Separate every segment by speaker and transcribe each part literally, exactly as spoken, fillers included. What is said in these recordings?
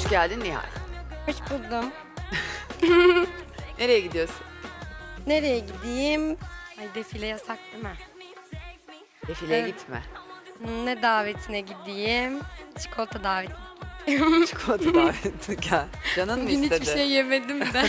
Speaker 1: geldin Nihal.
Speaker 2: Hoş buldum.
Speaker 1: Nereye gidiyorsun?
Speaker 2: Nereye gideyim? Ay defile yasak değil mi?
Speaker 1: Defileye
Speaker 2: Evet.
Speaker 1: gitme.
Speaker 2: Ne davetine gideyim? Çikolata daveti.
Speaker 1: Çikolata davetine gel. Canın mı
Speaker 2: Bugün
Speaker 1: istedi?
Speaker 2: hiçbir şey yemedim de.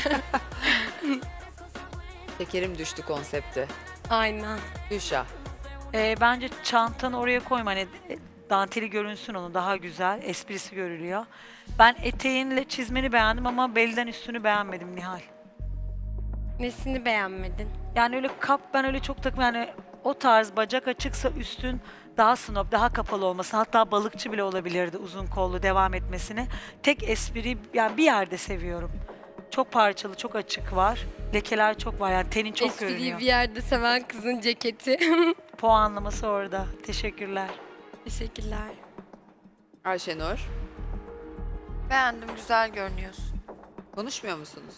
Speaker 1: Şekerim düştü konsepti.
Speaker 2: Aynen.
Speaker 1: Gülşah.
Speaker 3: Ee, bence çantanı oraya koyma. Hani danteli görünsün onu daha güzel. Esprisi görülüyor. Ben eteğinle çizmeni beğendim ama belden üstünü beğenmedim Nihal.
Speaker 2: Nesini beğenmedin?
Speaker 3: Yani öyle kap ben öyle çok takım yani o tarz bacak açıksa üstün daha snob, daha kapalı olmasını hatta balıkçı bile olabilirdi uzun kollu devam etmesini. Tek espri yani bir yerde seviyorum. Çok parçalı, çok açık var. Lekeler çok var yani tenin çok
Speaker 2: Espriyi
Speaker 3: görünüyor.
Speaker 2: bir yerde seven kızın ceketi.
Speaker 3: Puanlaması orada. Teşekkürler.
Speaker 2: Teşekkürler.
Speaker 1: Ayşenur.
Speaker 4: Beğendim, güzel görünüyorsun.
Speaker 1: Konuşmuyor musunuz?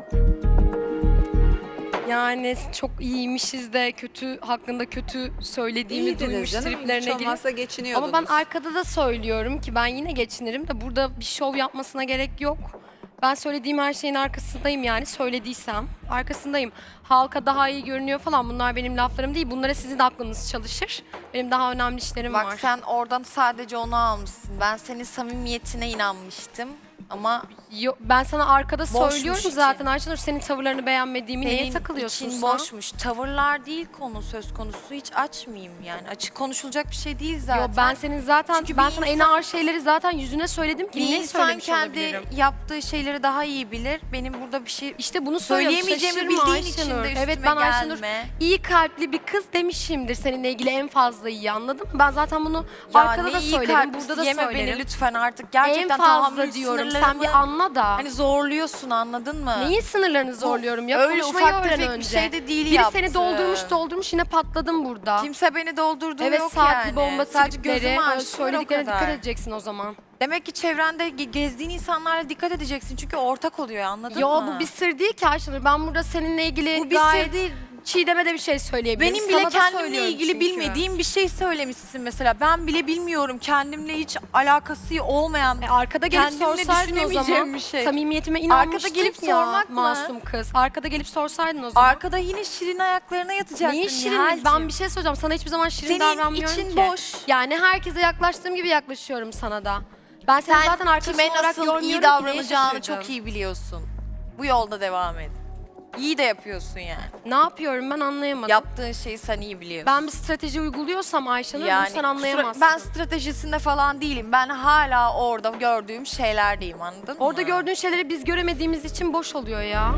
Speaker 2: Yani çok iyiymişiz de kötü hakkında kötü söylediğimi
Speaker 1: İyiydiniz
Speaker 2: duymuş
Speaker 1: canım.
Speaker 2: triplerine
Speaker 1: Hiç
Speaker 2: girip.
Speaker 1: olmazsa geçiniyordunuz.
Speaker 2: Ama ben arkada da söylüyorum ki ben yine geçinirim de burada bir şov yapmasına gerek yok. Ben söylediğim her şeyin arkasındayım yani söylediysem arkasındayım. Halka daha iyi görünüyor falan bunlar benim laflarım değil. Bunlara sizin de aklınız çalışır. Benim daha önemli işlerim
Speaker 4: Bak
Speaker 2: var.
Speaker 4: sen oradan sadece onu almışsın. Ben senin samimiyetine inanmıştım. Ama
Speaker 2: Yo, ben sana arkada
Speaker 4: Boşmuş
Speaker 2: söylüyorum
Speaker 4: için.
Speaker 2: zaten Ayşenur senin tavırlarını beğenmediğimi neye
Speaker 4: senin
Speaker 2: takılıyorsun
Speaker 4: için
Speaker 2: sen?
Speaker 4: boşmuş. Tavırlar değil konu söz konusu. Hiç açmayayım yani. Açık konuşulacak bir şey değil zaten.
Speaker 2: Yo, ben senin zaten
Speaker 4: Çünkü
Speaker 2: ben
Speaker 4: bir
Speaker 2: sana en
Speaker 4: insan-
Speaker 2: ağır şeyleri zaten yüzüne söyledim ki
Speaker 4: bir
Speaker 2: ne
Speaker 4: insan
Speaker 2: söylemiş
Speaker 4: kendi
Speaker 2: olabilirim?
Speaker 4: yaptığı şeyleri daha iyi bilir. Benim burada bir şey
Speaker 2: İşte bunu söylüyorum.
Speaker 4: söyleyemeyeceğimi
Speaker 2: Şaşırma
Speaker 4: bildiğin için
Speaker 2: Ayşenur.
Speaker 4: de üstüme
Speaker 2: Evet ben Ayşenur
Speaker 4: gelme.
Speaker 2: iyi kalpli bir kız demişimdir seninle ilgili en fazla iyi anladın mı? Ben zaten bunu
Speaker 4: Ya
Speaker 2: arkada
Speaker 4: ne
Speaker 2: da
Speaker 4: iyi
Speaker 2: söyledim,
Speaker 4: kalplisin,
Speaker 2: burada da
Speaker 4: yeme
Speaker 2: söylerim.
Speaker 4: beni lütfen artık. Gerçekten
Speaker 2: en fazla
Speaker 4: tahammül
Speaker 2: diyorum. Sen
Speaker 4: sınırlarımı
Speaker 2: bir anla da.
Speaker 4: Hani zorluyorsun anladın mı?
Speaker 2: Neyin sınırlarını zorluyorum ya?
Speaker 4: öyle
Speaker 2: Konuşmayı
Speaker 4: ufak
Speaker 2: öğren
Speaker 4: tefek bir
Speaker 2: önce.
Speaker 4: şey de değil
Speaker 2: Biri
Speaker 4: yaptı.
Speaker 2: seni doldurmuş doldurmuş yine patladım burada.
Speaker 4: Kimse beni doldurduğu
Speaker 2: evet
Speaker 4: yok
Speaker 2: saatli
Speaker 4: yani.
Speaker 2: bomba
Speaker 4: Sadece
Speaker 2: tripleri,
Speaker 4: gözümü
Speaker 2: öyle
Speaker 4: açtılar o
Speaker 2: söylediklerine
Speaker 4: kadar.
Speaker 2: dikkat edeceksin o zaman.
Speaker 4: Demek ki çevrende ge- gezdiğin insanlarla dikkat edeceksin. Çünkü ortak oluyor anladın
Speaker 2: Yo
Speaker 4: mı?
Speaker 2: bu bir sır değil ki Ayşenur. Ben burada seninle ilgili
Speaker 4: Bu bir
Speaker 2: gayet
Speaker 4: sır değil.
Speaker 2: Çiğdem'e de bir şey söyleyebilirim.
Speaker 4: Benim
Speaker 2: Sana
Speaker 4: bile
Speaker 2: da
Speaker 4: kendimle
Speaker 2: söylüyorum
Speaker 4: ilgili
Speaker 2: çünkü.
Speaker 4: bilmediğim bir şey söylemişsin mesela. Ben bile bilmiyorum. Kendimle hiç alakası olmayan.
Speaker 2: E, arkada gelip
Speaker 4: Kendimle
Speaker 2: sorsaydın o
Speaker 4: düşünemeyeceğim
Speaker 2: zaman
Speaker 4: bir şey.
Speaker 2: samimiyetime inanmıştın
Speaker 4: Arkada gelip
Speaker 2: ya,
Speaker 4: sormak mı?
Speaker 2: masum kız. Arkada gelip sorsaydın o zaman.
Speaker 4: Arkada yine şirin ayaklarına yatacaktın.
Speaker 2: Neyin şirin?
Speaker 4: Nihal'cim.
Speaker 2: Ben bir şey söyleyeceğim. Sana hiçbir zaman şirin
Speaker 4: Senin
Speaker 2: davranmıyorum
Speaker 4: için
Speaker 2: ki.
Speaker 4: boş.
Speaker 2: Yani herkese yaklaştığım gibi yaklaşıyorum sana da. Ben seni
Speaker 4: Sen
Speaker 2: zaten arkadaşım
Speaker 4: kime
Speaker 2: olarak
Speaker 4: nasıl
Speaker 2: görmüyorum
Speaker 4: iyi
Speaker 2: ki, neye
Speaker 4: davranacağını
Speaker 2: şaşırdın?
Speaker 4: çok iyi biliyorsun. Bu yolda devam et. İyi de yapıyorsun yani.
Speaker 2: Ne yapıyorum ben anlayamadım.
Speaker 4: Yaptığın şeyi sen iyi biliyorsun.
Speaker 2: Ben bir strateji uyguluyorsam Ayşenur bunu sen
Speaker 4: kusura-
Speaker 2: anlayamazsın.
Speaker 4: ben stratejisinde falan değilim. Ben hala orada gördüğüm şeylerdeyim anladın mı?
Speaker 2: Orada gördüğün şeyleri biz göremediğimiz için boş oluyor ya.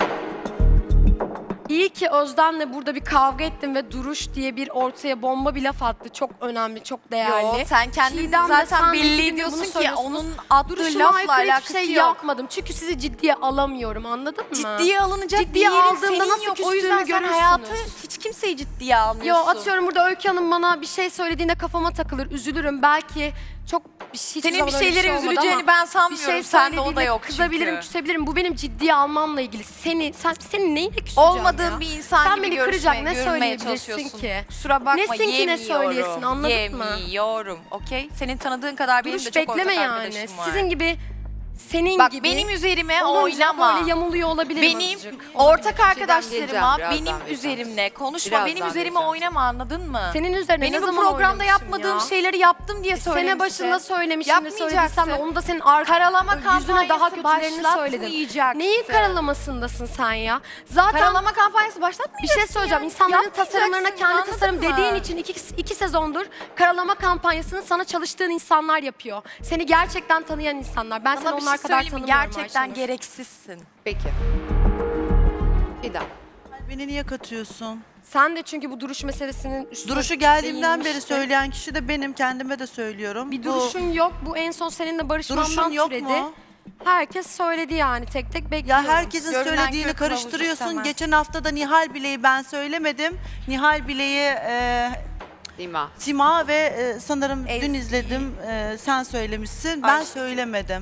Speaker 2: İyi ki Özden'le burada bir kavga ettim ve Duruş diye bir ortaya bomba bir laf attı. Çok önemli, çok değerli.
Speaker 4: Yo, sen kendin
Speaker 2: Çiğdem de
Speaker 4: zaten
Speaker 2: sen de
Speaker 4: belli
Speaker 2: bugün
Speaker 4: ediyorsun
Speaker 2: bunu
Speaker 4: ki
Speaker 2: söylüyorsunuz.
Speaker 4: onun attığı
Speaker 2: Duruşuma
Speaker 4: lafla
Speaker 2: aykırı
Speaker 4: alakası
Speaker 2: hiçbir şey
Speaker 4: yok.
Speaker 2: yapmadım. Çünkü sizi ciddiye alamıyorum anladın mı?
Speaker 4: Ciddiye alınacak
Speaker 2: Ciddiye
Speaker 4: bir yerin
Speaker 2: aldığımda
Speaker 4: senin
Speaker 2: nasıl
Speaker 4: yok. O
Speaker 2: küstüğümü
Speaker 4: yüzden sen
Speaker 2: görürsünüz.
Speaker 4: hayatı hiç kimseyi ciddiye
Speaker 2: Yo
Speaker 4: almıyorsun.
Speaker 2: atıyorum burada Öykü Hanım bana bir şey söylediğinde kafama takılır, üzülürüm. Belki çok bir şey, hiçbir
Speaker 4: Senin
Speaker 2: zaman
Speaker 4: bir
Speaker 2: öyle
Speaker 4: şeylere
Speaker 2: şey olmadı
Speaker 4: üzüleceğini
Speaker 2: ama
Speaker 4: ben
Speaker 2: bir
Speaker 4: sanmıyorum.
Speaker 2: şey
Speaker 4: Sende o da
Speaker 2: söylediğinde
Speaker 4: yok
Speaker 2: kızabilirim,
Speaker 4: çünkü.
Speaker 2: küsebilirim. Bu benim ciddiye almamla ilgili. Seni, sen senin neyine küseceğim
Speaker 4: Olmadığın
Speaker 2: ya?
Speaker 4: bir insan
Speaker 2: Sen
Speaker 4: gibi
Speaker 2: beni
Speaker 4: görüşmeye,
Speaker 2: kıracak ne
Speaker 4: görünmeye
Speaker 2: söyleyebilirsin
Speaker 4: çalışıyorsun.
Speaker 2: ki?
Speaker 4: Kusura bakma
Speaker 2: Nesin ki ne
Speaker 4: yemiyorum.
Speaker 2: söyleyesin, anladın mı?
Speaker 4: Yemiyorum. Okey? Senin tanıdığın kadar benim
Speaker 2: Duruş
Speaker 4: de çok
Speaker 2: bekleme
Speaker 4: ortak
Speaker 2: yani.
Speaker 4: arkadaşım var.
Speaker 2: Sizin gibi, senin
Speaker 4: Bak
Speaker 2: gibi
Speaker 4: benim üzerime
Speaker 2: olunca
Speaker 4: oynama.
Speaker 2: böyle yamuluyor olabilirim
Speaker 4: Benim
Speaker 2: azıcık.
Speaker 4: ortak
Speaker 1: geleceğim
Speaker 4: arkadaşlarıma
Speaker 1: birazdan
Speaker 4: benim
Speaker 1: geleceğim.
Speaker 4: üzerimle konuşma.
Speaker 1: Birazdan
Speaker 4: benim üzerime
Speaker 1: geleceğim.
Speaker 4: oynama anladın mı?
Speaker 2: Senin üzerine
Speaker 4: Benim
Speaker 2: ne
Speaker 4: bu
Speaker 2: zaman
Speaker 4: programda
Speaker 2: oynamışım
Speaker 4: yapmadığım
Speaker 2: ya?
Speaker 4: şeyleri yaptım diye söylemişsin.
Speaker 2: Sene başında söylemişim de söylediysem de
Speaker 4: Yapmayacaksın.
Speaker 2: onu da senin arka
Speaker 4: Karalama
Speaker 2: yüzüne daha
Speaker 4: kampanyası
Speaker 2: kötülerini söyledim.
Speaker 4: başlatmayacaksın.
Speaker 2: Neyin karalamasındasın sen ya? Zaten
Speaker 4: Karalama kampanyası
Speaker 2: bir
Speaker 4: başlatmayacaksın
Speaker 2: şey söyleyeceğim.
Speaker 4: ya.
Speaker 2: İnsanların
Speaker 4: Yapmayacaksın,
Speaker 2: tasarımlarına kendi
Speaker 4: anladın
Speaker 2: tasarım
Speaker 4: mı?
Speaker 2: dediğin için iki, iki sezondur karalama kampanyasını sana çalıştığın insanlar yapıyor. Seni gerçekten tanıyan insanlar. Ben
Speaker 4: Sana
Speaker 2: seni
Speaker 4: bir
Speaker 2: onlar
Speaker 4: şey
Speaker 2: kadar
Speaker 4: söyleyeyim mi?
Speaker 2: tanımıyorum
Speaker 4: Gerçekten
Speaker 2: Ayşenur.
Speaker 4: gereksizsin.
Speaker 1: Peki. İdam.
Speaker 5: Beni niye katıyorsun?
Speaker 2: Sen de çünkü bu duruş meselesinin üstüne
Speaker 5: Duruşu geldiğimden beri
Speaker 2: değinmiştin.
Speaker 5: söyleyen kişi de benim, kendime de söylüyorum.
Speaker 2: Bir
Speaker 5: Bu
Speaker 2: duruşun yok. Bu en son seninle barışmandan
Speaker 5: duruşun yok
Speaker 2: türedi.
Speaker 5: mu?
Speaker 2: Herkes söyledi yani tek tek bekliyorum.
Speaker 5: Ya herkesin
Speaker 4: Görünen
Speaker 5: söylediğini
Speaker 4: köy kılavuzu
Speaker 5: karıştırıyorsun.
Speaker 4: istemez.
Speaker 5: Geçen hafta da Nihal Bile'yi ben söylemedim. Nihal Bile'yi e,
Speaker 1: Dima.
Speaker 5: Sima ve e, sanırım
Speaker 4: Ezgi.
Speaker 5: dün izledim e, sen söylemişsin. Ben
Speaker 4: Ayşe.
Speaker 5: söylemedim.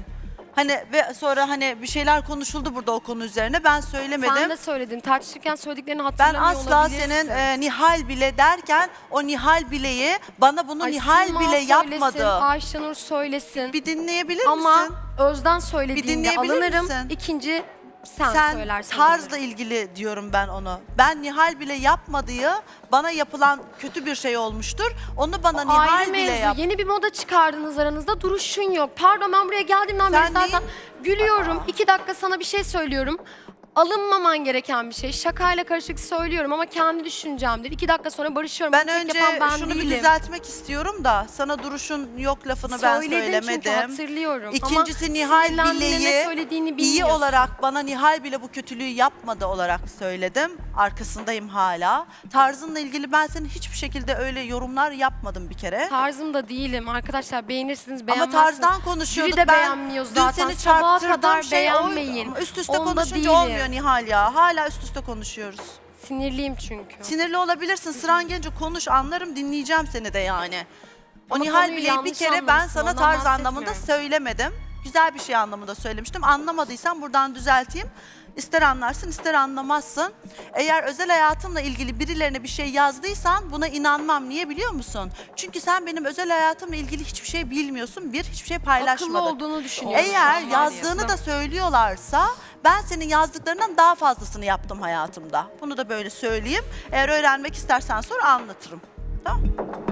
Speaker 5: Hani ve sonra hani bir şeyler konuşuldu burada o konu üzerine. Ben söylemedim.
Speaker 2: Sen de söyledin. Tartışırken söylediklerini
Speaker 5: Ben
Speaker 2: hatırlamıyor
Speaker 5: asla
Speaker 2: olabilirsin.
Speaker 5: senin e, Nihal bile derken o Nihal bileyi bana bunu
Speaker 2: Ay,
Speaker 5: Nihal
Speaker 2: Sima
Speaker 5: bile
Speaker 2: söylesin,
Speaker 5: yapmadı.
Speaker 2: Ayşenur söylesin.
Speaker 5: Bir dinleyebilir
Speaker 2: Ama
Speaker 5: misin?
Speaker 2: Özden söylediğinde
Speaker 5: dinleyebilir
Speaker 2: alınırım.
Speaker 5: misin?
Speaker 2: İkinci sen,
Speaker 5: Sen
Speaker 2: söylersin.
Speaker 5: tarzla ilgili diyorum ben onu. Ben Nihal bile yapmadığı bana yapılan kötü bir şey olmuştur. Onu bana
Speaker 2: O
Speaker 5: Nihal
Speaker 2: ayrı
Speaker 5: bile
Speaker 2: mevzu.
Speaker 5: yap.
Speaker 2: Yeni bir moda çıkardınız aranızda. Duruşun yok. Pardon, ben buraya geldiğimden beri
Speaker 5: Sen
Speaker 2: zaten gülüyorum. İki dakika sana bir şey söylüyorum. Alınmaman gereken bir şey. Şakayla karışık söylüyorum ama kendi düşüncemdir. İki dakika sonra barışıyorum.
Speaker 5: Ben
Speaker 2: Bunu tek
Speaker 5: önce
Speaker 2: yapan ben
Speaker 5: şunu
Speaker 2: değilim.
Speaker 5: bir düzeltmek istiyorum da sana duruşun yok lafını ben
Speaker 2: Söyledin çünkü
Speaker 5: söylemedim.
Speaker 2: hatırlıyorum.
Speaker 5: İkincisi
Speaker 2: ama
Speaker 5: Nihal
Speaker 2: sinirlendiğinde ne
Speaker 5: bileyi
Speaker 2: söylediğini
Speaker 5: iyi
Speaker 2: bilmiyorsun.
Speaker 5: olarak bana Nihal bile bu kötülüğü yapmadı olarak söyledim. Arkasındayım hala. Tarzınla ilgili ben senin hiçbir şekilde öyle yorumlar yapmadım bir kere.
Speaker 2: Tarzım da değilim. Arkadaşlar beğenirsiniz,
Speaker 5: Ama
Speaker 2: beğenmezsiniz.
Speaker 5: tarzdan konuşuyorduk.
Speaker 2: Biri de
Speaker 5: ben
Speaker 2: beğenmiyor
Speaker 5: dün
Speaker 2: zaten.
Speaker 5: seni
Speaker 2: Sabaha
Speaker 5: çarptırdığım
Speaker 2: kadar
Speaker 5: şey
Speaker 2: beğenmeyin.
Speaker 5: o, üst üste
Speaker 2: Onda
Speaker 5: konuşunca
Speaker 2: değilim.
Speaker 5: olmuyor Nihal ya. Hala üst üste konuşuyoruz.
Speaker 2: Sinirliyim çünkü.
Speaker 5: Sinirli olabilirsin. Sıran gelince konuş, anlarım, dinleyeceğim seni de yani. O
Speaker 2: Ama
Speaker 5: Nihal
Speaker 2: konuyu
Speaker 5: bileyi bir
Speaker 2: yanlış
Speaker 5: kere ben
Speaker 2: anlamışsın,
Speaker 5: sana
Speaker 2: ondan
Speaker 5: tarz anlamında
Speaker 2: bahsetmiyorum.
Speaker 5: söylemedim. Güzel bir şey anlamında söylemiştim. Anlamadıysan buradan düzelteyim. İster anlarsın, ister anlamazsın. Eğer özel hayatımla ilgili birilerine bir şey yazdıysan buna inanmam. Niye biliyor musun? Çünkü sen benim özel hayatımla ilgili hiçbir şey bilmiyorsun. Bir, hiçbir şey
Speaker 2: Akıllı
Speaker 5: paylaşmadın.
Speaker 2: olduğunu düşünüyorum.
Speaker 5: Eğer
Speaker 2: Ben
Speaker 5: yazdığını da
Speaker 2: maalesef.
Speaker 5: söylüyorlarsa ben senin yazdıklarından daha fazlasını yaptım hayatımda. Bunu da böyle söyleyeyim. Eğer öğrenmek istersen sonra anlatırım. Tamam.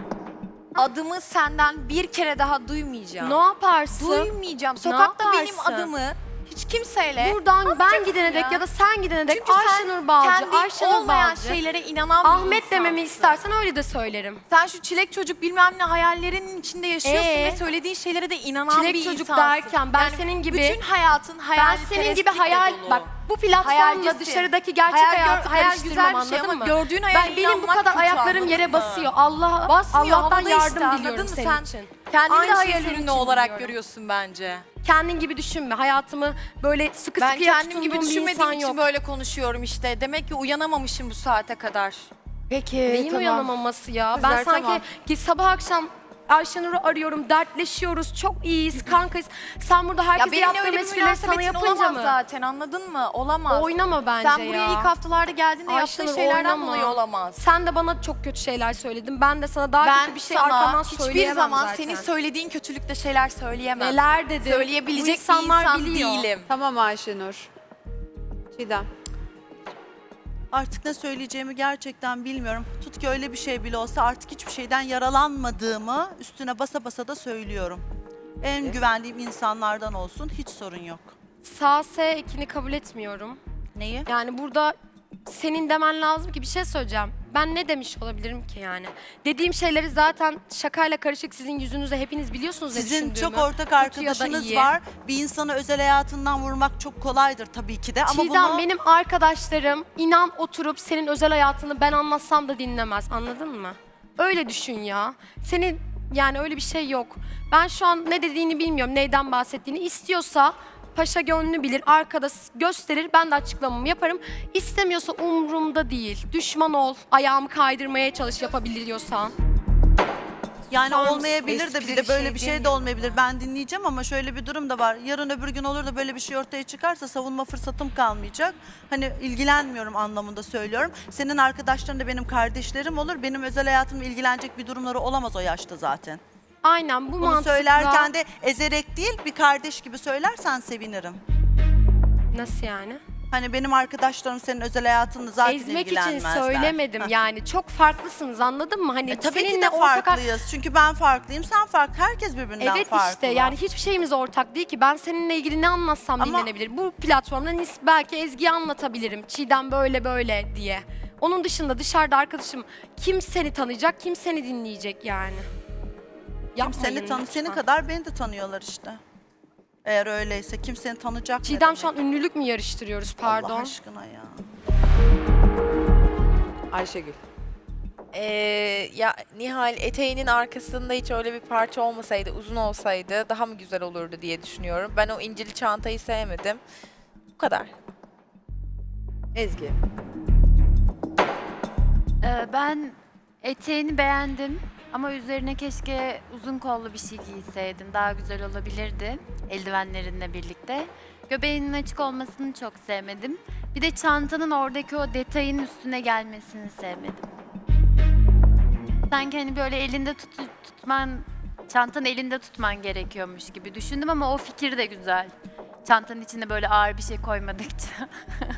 Speaker 4: Adımı senden bir kere daha duymayacağım.
Speaker 2: Ne yaparsın?
Speaker 4: Duymayacağım. Sokakta benim
Speaker 2: yaparsın?
Speaker 4: adımı hiç kimseyle
Speaker 2: Buradan ben
Speaker 4: yapacaksın
Speaker 2: gidene dek
Speaker 4: ya?
Speaker 2: ya da sen gidene dek
Speaker 4: Çünkü
Speaker 2: Ayşenur
Speaker 4: sen
Speaker 2: Balcı,
Speaker 4: kendi
Speaker 2: Ayşenur
Speaker 4: olmayan
Speaker 2: Balcı.
Speaker 4: şeylere inanan bir
Speaker 2: Ahmet
Speaker 4: insansın.
Speaker 2: dememi istersen öyle de söylerim.
Speaker 4: Sen şu çilek çocuk bilmem ne hayallerinin içinde yaşıyorsun
Speaker 2: Ee?
Speaker 4: ve söylediğin şeylere de inanan
Speaker 2: Çilek
Speaker 4: bir
Speaker 2: çocuk
Speaker 4: insansın.
Speaker 2: derken ben
Speaker 4: Yani
Speaker 2: senin gibi-
Speaker 4: bütün hayatın
Speaker 2: Ben
Speaker 4: hayalperestlikle
Speaker 2: senin gibi hayal,
Speaker 4: dolu.
Speaker 2: bak bu platformla
Speaker 4: Hayalcisin.
Speaker 2: dışarıdaki gerçek
Speaker 4: Hayal gör-
Speaker 2: hayatı
Speaker 4: hayal
Speaker 2: karıştırmam,
Speaker 4: güzel bir şey
Speaker 2: anladın
Speaker 4: ama
Speaker 2: mı?
Speaker 4: gördüğün hayale
Speaker 2: Ben benim bu
Speaker 4: inanmak
Speaker 2: kadar
Speaker 4: kötü,
Speaker 2: ayaklarım
Speaker 4: anladın
Speaker 2: yere
Speaker 4: mı?
Speaker 2: basıyor. Allah
Speaker 4: Basmıyor,
Speaker 2: Allah'tan
Speaker 4: havada
Speaker 2: yardım
Speaker 4: işte, anladın
Speaker 2: diliyorum
Speaker 4: mı
Speaker 2: senin
Speaker 4: sen?
Speaker 2: için.
Speaker 4: Kendini
Speaker 2: Aynı
Speaker 4: de
Speaker 2: şeyi
Speaker 4: hayal
Speaker 2: senin
Speaker 4: ürünü
Speaker 2: için
Speaker 4: olarak
Speaker 2: biliyorum.
Speaker 4: görüyorsun bence.
Speaker 2: Kendin gibi düşünme. Hayatımı böyle sıkı
Speaker 4: Ben
Speaker 2: sıkıya
Speaker 4: kendim gibi
Speaker 2: tutunduğum bir
Speaker 4: düşünmediğim
Speaker 2: insan
Speaker 4: için
Speaker 2: yok.
Speaker 4: böyle konuşuyorum işte. Demek ki uyanamamışım bu saate kadar.
Speaker 1: Peki
Speaker 2: Neyin
Speaker 1: tamam.
Speaker 2: uyanamaması ya?
Speaker 1: Kızlar,
Speaker 2: ben sanki
Speaker 1: tamam.
Speaker 2: ki sabah akşam Ayşenur'u arıyorum, dertleşiyoruz, çok iyiyiz, kankayız. Sen burada
Speaker 4: Ya
Speaker 2: herkese
Speaker 4: benimle
Speaker 2: yaptığım
Speaker 4: öyle bir
Speaker 2: esprileri sana
Speaker 4: münasebetin
Speaker 2: yapınca
Speaker 4: olamaz
Speaker 2: mı?
Speaker 4: zaten, anladın mı? Olamaz.
Speaker 2: Oynama bence
Speaker 4: Sen
Speaker 2: ya.
Speaker 4: buraya ilk haftalarda geldiğinde
Speaker 2: Ayşenur,
Speaker 4: yaptığın şeylerden
Speaker 2: oynama.
Speaker 4: dolayı olamaz.
Speaker 2: Sen de bana çok kötü şeyler söyledin. Ben de sana daha
Speaker 4: Ben
Speaker 2: kötü bir şey
Speaker 4: sana
Speaker 2: arkamdan
Speaker 4: hiçbir
Speaker 2: söyleyemem
Speaker 4: zaman
Speaker 2: zaten.
Speaker 4: senin söylediğin kötülükte şeyler söyleyemem.
Speaker 2: Neler dedim.
Speaker 4: Söyleyebilecek
Speaker 2: Bu
Speaker 4: bir
Speaker 2: insanlar
Speaker 4: insan
Speaker 2: biliyor.
Speaker 4: değilim.
Speaker 1: Tamam Ayşenur. Çiğdem.
Speaker 5: Artık ne söyleyeceğimi gerçekten bilmiyorum. Tut ki öyle bir şey bile olsa artık hiçbir şeyden yaralanmadığımı üstüne basa basa da söylüyorum. En güvendiğim insanlardan olsun, hiç sorun yok.
Speaker 2: Sağ S ekini kabul etmiyorum.
Speaker 5: Neyi?
Speaker 2: Yani burada senin demen lazım ki bir şey söyleyeceğim. Ben ne demiş olabilirim ki yani? Dediğim şeyleri zaten şakayla karışık sizin yüzünüze hepiniz biliyorsunuz ne
Speaker 5: Sizin
Speaker 2: düşündüğümü.
Speaker 5: çok ortak
Speaker 2: Kötü ya da
Speaker 5: arkadaşınız
Speaker 2: iyi.
Speaker 5: var. Bir insanı özel hayatından vurmak çok kolaydır tabii ki de. Ama
Speaker 2: Çiğdem
Speaker 5: bunu
Speaker 2: benim arkadaşlarım inan oturup senin özel hayatını ben anlatsam da dinlemez, anladın mı? Öyle düşün ya. Senin yani öyle bir şey yok. Ben şu an ne dediğini bilmiyorum, neyden bahsettiğini. İstiyorsa paşa gönlünü bilir, arkada s- gösterir, ben de açıklamamı yaparım. İstemiyorsa umurumda değil. Düşman ol, ayağımı kaydırmaya çalış yapabiliyorsan.
Speaker 5: yani
Speaker 2: Son
Speaker 5: olmayabilir de bir
Speaker 4: esprili
Speaker 5: de böyle
Speaker 4: şey
Speaker 5: bir şey de
Speaker 4: demiyorum.
Speaker 5: olmayabilir. Ben dinleyeceğim ama şöyle bir durum da var. Yarın öbür gün olur da böyle bir şey ortaya çıkarsa savunma fırsatım kalmayacak. Hani ilgilenmiyorum anlamında söylüyorum. Senin arkadaşların da benim kardeşlerim olur. Benim özel hayatımla ilgilenecek bir durumları olamaz o yaşta zaten.
Speaker 2: Aynen bu
Speaker 5: Bunu
Speaker 2: mantıkla.
Speaker 5: söylerken de ezerek değil bir kardeş gibi söylersen sevinirim.
Speaker 2: Nasıl yani?
Speaker 5: Hani benim arkadaşlarım senin özel hayatınla zaten
Speaker 2: Ezmek için
Speaker 5: ilgilenmezler.
Speaker 2: söylemedim
Speaker 5: Heh.
Speaker 2: yani. Çok farklısınız, anladın mı? Hani
Speaker 5: E, tabii ki
Speaker 2: seninle
Speaker 5: de
Speaker 2: ortak
Speaker 5: farklıyız. Çünkü ben farklıyım, sen farklı. Herkes birbirinden
Speaker 2: Evet
Speaker 5: farklı.
Speaker 2: işte yani hiçbir şeyimiz ortak değil ki. Ben seninle ilgili ne anlatsam
Speaker 5: Ama-
Speaker 2: dinlenebilir. Bu platformda nis- belki Ezgi'yi anlatabilirim. Çiğdem böyle böyle diye. Onun dışında dışarıda arkadaşım kim seni tanıyacak, kim seni dinleyecek yani.
Speaker 5: Kim
Speaker 2: Yapmayın
Speaker 5: seni tanı,
Speaker 2: lütfen.
Speaker 5: senin kadar beni de tanıyorlar işte. Eğer öyleyse kim seni tanıyacak ne
Speaker 2: Çiğdem
Speaker 5: demek?
Speaker 2: şu an ünlülük mü yarıştırıyoruz
Speaker 5: Allah
Speaker 2: pardon.
Speaker 5: aşkına ya.
Speaker 1: Ayşegül.
Speaker 6: Ee, ya Nihal eteğinin arkasında hiç öyle bir parça olmasaydı, uzun olsaydı daha mı güzel olurdu diye düşünüyorum. Ben o incili çantayı sevmedim. Bu kadar.
Speaker 1: Ezgi.
Speaker 7: Ee, ben eteğini beğendim. Ama üzerine keşke uzun kollu bir şey giyseydin. Daha güzel olabilirdi eldivenlerinle birlikte. Göbeğinin açık olmasını çok sevmedim. Bir de çantanın oradaki o detayın üstüne gelmesini sevmedim. Sanki hani böyle elinde tut tutman, çantanı elinde tutman gerekiyormuş gibi düşündüm ama o fikir de güzel. Çantanın içine böyle ağır bir şey koymadıkça.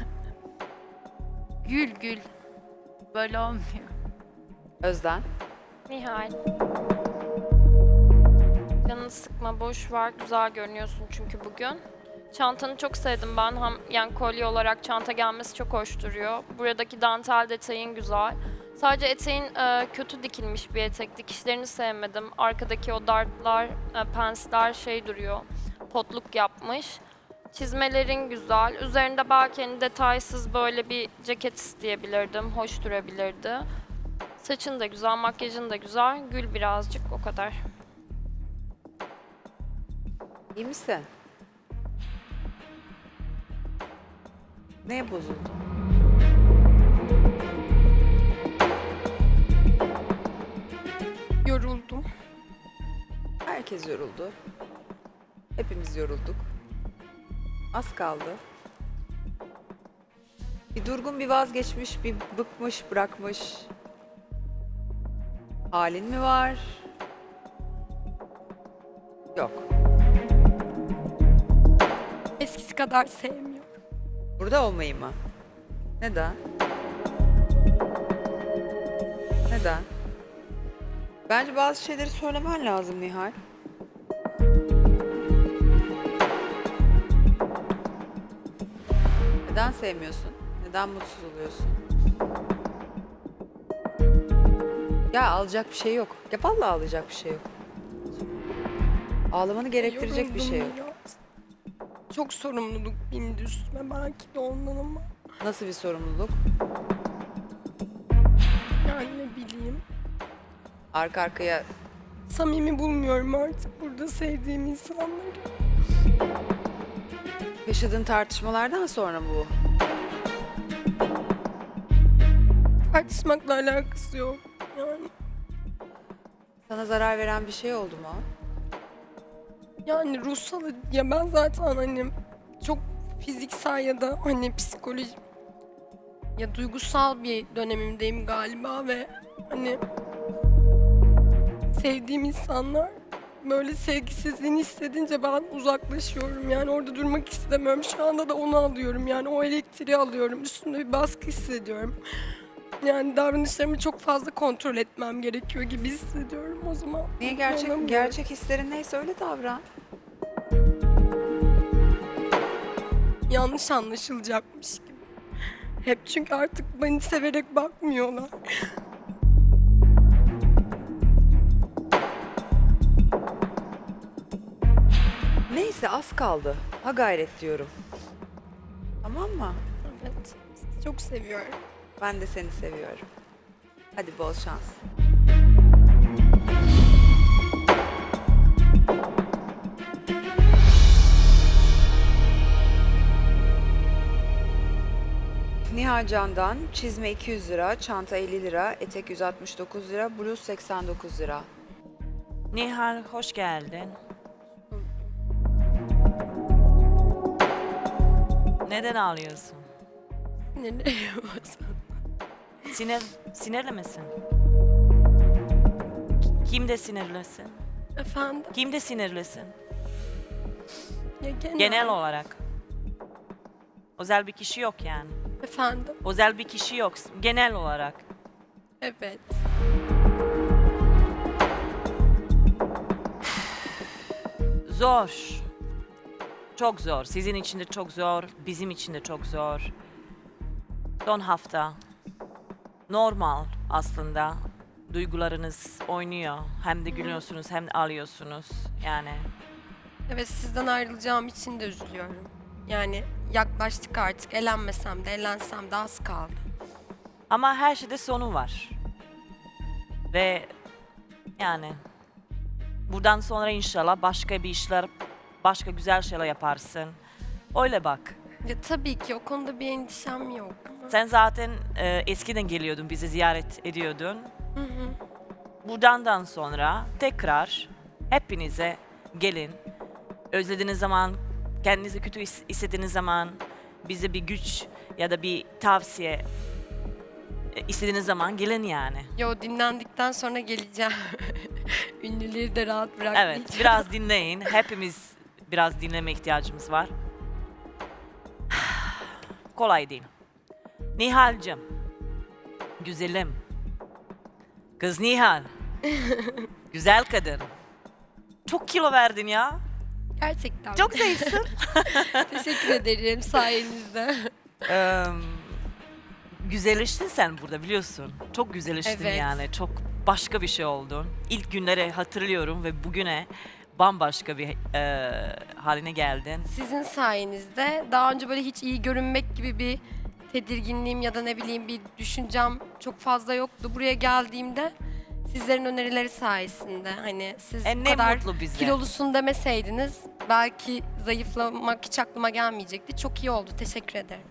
Speaker 7: Gül gül. Böyle olmuyor.
Speaker 1: Özden.
Speaker 8: Nihal. Canını sıkma, boş ver. Güzel görünüyorsun çünkü bugün. Çantanı çok sevdim ben. Hem yani kolye olarak çanta gelmesi çok hoş duruyor. Buradaki dantel detayın güzel. Sadece eteğin e, kötü dikilmiş bir etek. Dikişlerini sevmedim. Arkadaki o dartlar, e, pensler şey duruyor. Potluk yapmış. Çizmelerin güzel. Üzerinde belki hani detaysız böyle bir ceket isteyebilirdim. Hoş durabilirdi. Saçın da güzel, makyajın da güzel. Gül birazcık, o kadar.
Speaker 1: İyi misin? Neye bozuldun?
Speaker 2: Yoruldum.
Speaker 1: Herkes yoruldu. Hepimiz yorulduk. Az kaldı. Bir durgun, bir vazgeçmiş, bir bıkmış, bırakmış. Halin mi var? Yok.
Speaker 2: Eskisi kadar sevmiyorum.
Speaker 1: Burada olmayı mı? Neden? Neden? Bence bazı şeyleri söylemen lazım Nihal. Neden sevmiyorsun? Neden mutsuz oluyorsun? Ya ağlayacak bir şey yok. Ya vallahi ağlayacak bir şey yok. Ağlamanı gerektirecek bir şey yok.
Speaker 2: Yoruldum biraz. Çok sorumluluk bindi üstüme belki de ondan ama.
Speaker 1: Nasıl bir sorumluluk?
Speaker 2: Yani ne bileyim.
Speaker 1: Arka arkaya
Speaker 2: Samimi bulmuyorum artık burada sevdiğim insanları.
Speaker 1: yaşadığın tartışmalardan sonra bu.
Speaker 2: Tartışmakla alakası yok. Yani,
Speaker 1: Sana zarar veren bir şey oldu mu?
Speaker 2: yani ruhsal ya ben zaten hani çok fiziksel ya da hani psikolojik ya duygusal bir dönemimdeyim galiba ve hani sevdiğim insanlar böyle sevgisizliğini hissedince ben uzaklaşıyorum. Yani orada durmak istemiyorum. Şu anda da onu alıyorum. Yani o elektriği alıyorum. Üstümde bir baskı hissediyorum. Yani davranışlarımı çok fazla kontrol etmem gerekiyor gibi hissediyorum o zaman.
Speaker 1: Niye gerçek
Speaker 2: Olamıyorum.
Speaker 1: gerçek hislerin neyse öyle davran.
Speaker 2: Yanlış anlaşılacakmış gibi. Hep çünkü artık beni severek bakmıyorlar.
Speaker 1: Neyse az kaldı. Ha gayret diyorum. Tamam mı?
Speaker 2: Evet, sizi çok seviyorum.
Speaker 1: Ben de seni seviyorum. Hadi bol şans. Nihal Can'dan çizme iki yüz lira, çanta elli lira, etek yüz altmış dokuz lira, bluz seksen dokuz lira.
Speaker 9: Nihal hoş geldin. Neden ağlıyorsun?
Speaker 2: Sinirleniyorum bazen.
Speaker 9: Sinir, sinirli misin? Kimde sinirlisin?
Speaker 2: Efendim?
Speaker 9: Kimde sinirlisin?
Speaker 2: Ya genel.
Speaker 9: Genel olarak. Özel bir kişi yok yani.
Speaker 2: Efendim?
Speaker 9: Özel bir kişi yok. Genel olarak.
Speaker 2: Evet.
Speaker 9: Zor. Çok zor. Sizin için de çok zor. Bizim için de çok zor. Son hafta. Normal aslında. Duygularınız oynuyor. Hem de gülüyorsunuz hem de ağlıyorsunuz. Yani
Speaker 2: Evet, sizden ayrılacağım için de üzülüyorum. Yani yaklaştık artık. Elenmesem de elensem de az kaldı.
Speaker 9: ama her şeyde sonu var. Ve yani buradan sonra inşallah başka bir işler, başka güzel şeyler yaparsın. Öyle bak.
Speaker 2: Ya tabii ki o konuda bir endişem yok.
Speaker 9: Sen zaten e, eskiden geliyordun, bizi ziyaret ediyordun.
Speaker 2: Hı hı.
Speaker 9: buradan sonra tekrar hepinize gelin. Özlediğiniz zaman, kendinizi kötü his- hissettiğiniz zaman, bize bir güç ya da bir tavsiye e, istediğiniz zaman gelin yani.
Speaker 2: Yo, dinlendikten sonra geleceğim. Ünlüleri de rahat bırakmayacağım.
Speaker 9: Evet, biraz dinleyin. Hepimiz biraz dinleme ihtiyacımız var. Kolay değil. Nihal'cığım, güzelim. Kız Nihal. Güzel kadın. Çok kilo verdin ya.
Speaker 2: Gerçekten.
Speaker 9: Çok zayıfsın.
Speaker 2: Teşekkür ederim sayenizde.
Speaker 9: Eee, güzelleştin sen burada biliyorsun. Çok güzelleştin
Speaker 2: Evet.
Speaker 9: yani. Çok başka bir şey oldun. İlk günleri hatırlıyorum ve bugüne bambaşka bir eee, haline geldin.
Speaker 2: Sizin sayenizde daha önce böyle hiç iyi görünmek gibi bir tedirginliğim ya da ne bileyim bir düşüncem çok fazla yoktu. Buraya geldiğimde sizlerin önerileri sayesinde hani siz
Speaker 9: E,
Speaker 2: bu
Speaker 9: ne
Speaker 2: kadar
Speaker 9: mutlu bize.
Speaker 2: kilolusun demeseydiniz belki zayıflamak hiç aklıma gelmeyecekti. Çok iyi oldu. Teşekkür ederim.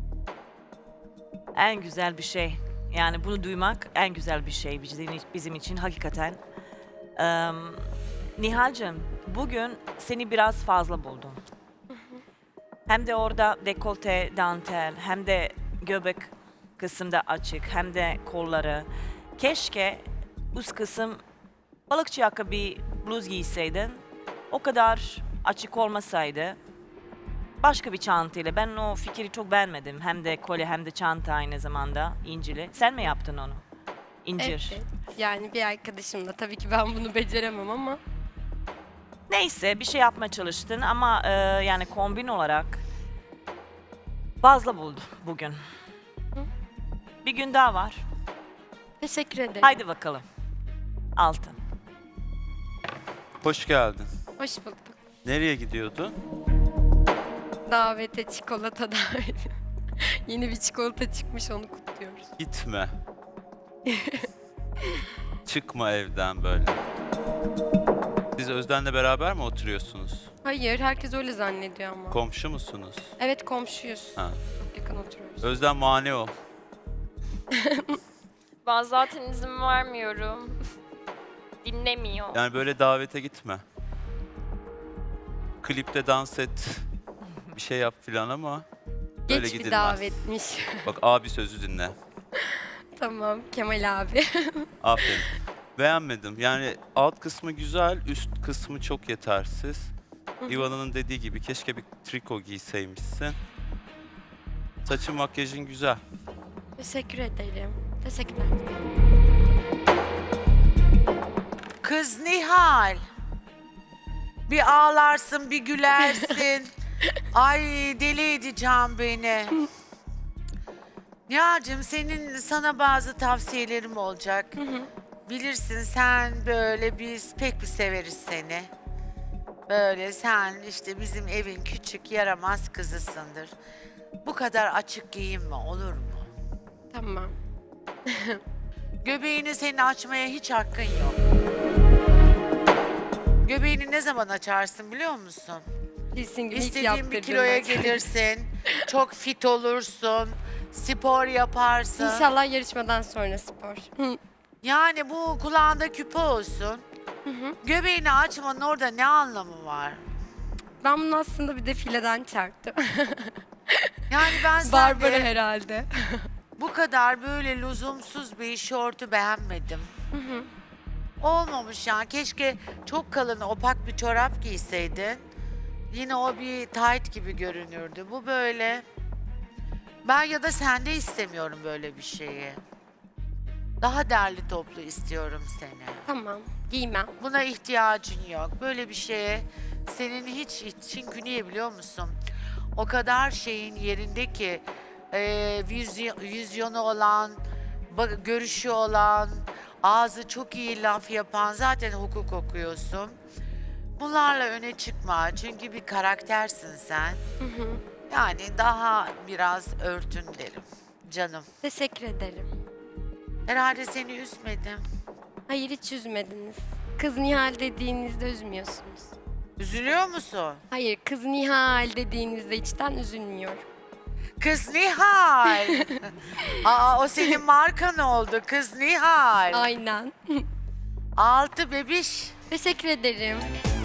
Speaker 9: En güzel bir şey. Yani bunu duymak en güzel bir şey bizim, bizim için hakikaten. Eee Nihal'cığım, bugün seni biraz fazla buldum. Hem de orada dekolte, dantel, hem de göbek kısımda açık, hem de kolları. Keşke üst kısım balıkçı yaka bir bluz giyseydin. O kadar açık olmasaydı. Başka bir çantayla. Ben o fikri çok beğenmedim. Hem de kolye hem de çanta aynı zamanda incili. Sen mi yaptın onu? İncir.
Speaker 2: Evet. Yani bir arkadaşımla tabii ki ben bunu beceremem ama
Speaker 9: Neyse bir şey yapmaya çalıştın ama e, yani kombin olarak fazla buldum bugün. Bir gün daha var.
Speaker 2: teşekkür ederim.
Speaker 9: Haydi bakalım. Altın.
Speaker 10: Hoş geldin.
Speaker 2: Hoş bulduk.
Speaker 10: Nereye gidiyordun?
Speaker 2: Davete, çikolata daveti. Yeni bir çikolata çıkmış onu kutluyoruz.
Speaker 10: Gitme. Çıkma evden böyle. Siz Özden'le beraber mi oturuyorsunuz?
Speaker 2: Hayır, herkes öyle zannediyor ama.
Speaker 10: Komşu musunuz?
Speaker 2: Evet, komşuyuz.
Speaker 10: Ha.
Speaker 2: Çok yakın oturuyoruz.
Speaker 10: Özden mani ol.
Speaker 8: Ben zaten izin vermiyorum. Dinlemiyor.
Speaker 10: Yani böyle davete gitme. Klipte dans et. Bir şey yap filan ama böyle
Speaker 2: Geç bir
Speaker 10: gidilmez.
Speaker 2: davetmiş.
Speaker 10: Bak abi sözü dinle.
Speaker 2: Tamam, Kemal abi.
Speaker 10: Aferin. Beğenmedim. Yani alt kısmı güzel, üst kısmı çok yetersiz. Ivana'nın dediği gibi keşke bir triko giyseymişsin. Saçın makyajın güzel.
Speaker 2: Teşekkür ederim. Teşekkürler.
Speaker 11: Kız Nihal. Bir ağlarsın, bir gülersin. Ay deli edeceğim beni. Nihal'cığım senin sana bazı tavsiyelerim olacak. Bilirsin sen böyle biz pek bir severiz seni. Böyle sen işte bizim evin küçük yaramaz kızısındır. Bu kadar açık giyinme olur mu?
Speaker 2: Tamam.
Speaker 11: Göbeğini senin açmaya hiç hakkın yok. Göbeğini ne zaman açarsın biliyor musun?
Speaker 2: Kesin gibi ilk
Speaker 11: İstediğin bir
Speaker 2: yaptırdığım
Speaker 11: kiloya
Speaker 2: makyaj.
Speaker 11: gelirsin, çok fit olursun, spor yaparsın.
Speaker 2: İnşallah yarışmadan sonra spor. Hı.
Speaker 11: Yani bu kulağında küpe olsun. Göbeğini açmanın orada ne anlamı var?
Speaker 2: Ben bunu aslında bir defileden çarptım.
Speaker 11: Yani ben
Speaker 2: Barbara
Speaker 11: sende
Speaker 2: herhalde.
Speaker 11: bu kadar böyle lüzumsuz bir şortu beğenmedim. Olmamış yani. Keşke çok kalın opak bir çorap giyseydin. Yine o bir tight gibi görünürdü. Bu böyle. Ben ya da sende istemiyorum böyle bir şeyi. Daha derli toplu istiyorum seni.
Speaker 2: Tamam, giymem.
Speaker 11: Buna ihtiyacın yok. Böyle bir şeye senin hiç için niye biliyor musun? O kadar şeyin yerinde ki e, vizyon, vizyonu olan, bak- görüşü olan, ağzı çok iyi laf yapan zaten hukuk okuyorsun. Bunlarla öne çıkma çünkü bir karaktersin sen. Yani daha biraz örtün derim canım.
Speaker 2: Teşekkür ederim.
Speaker 11: Herhalde seni üzmedim.
Speaker 2: Hayır, hiç üzmediniz. Kız Nihal dediğinizde üzmüyorsunuz.
Speaker 11: Üzülüyor musun?
Speaker 2: Hayır, kız Nihal dediğinizde içten üzülmüyorum.
Speaker 11: Kız Nihal. Aa o senin markan oldu Kız Nihal.
Speaker 2: Aynen.
Speaker 11: Altı bebiş.
Speaker 2: Teşekkür ederim.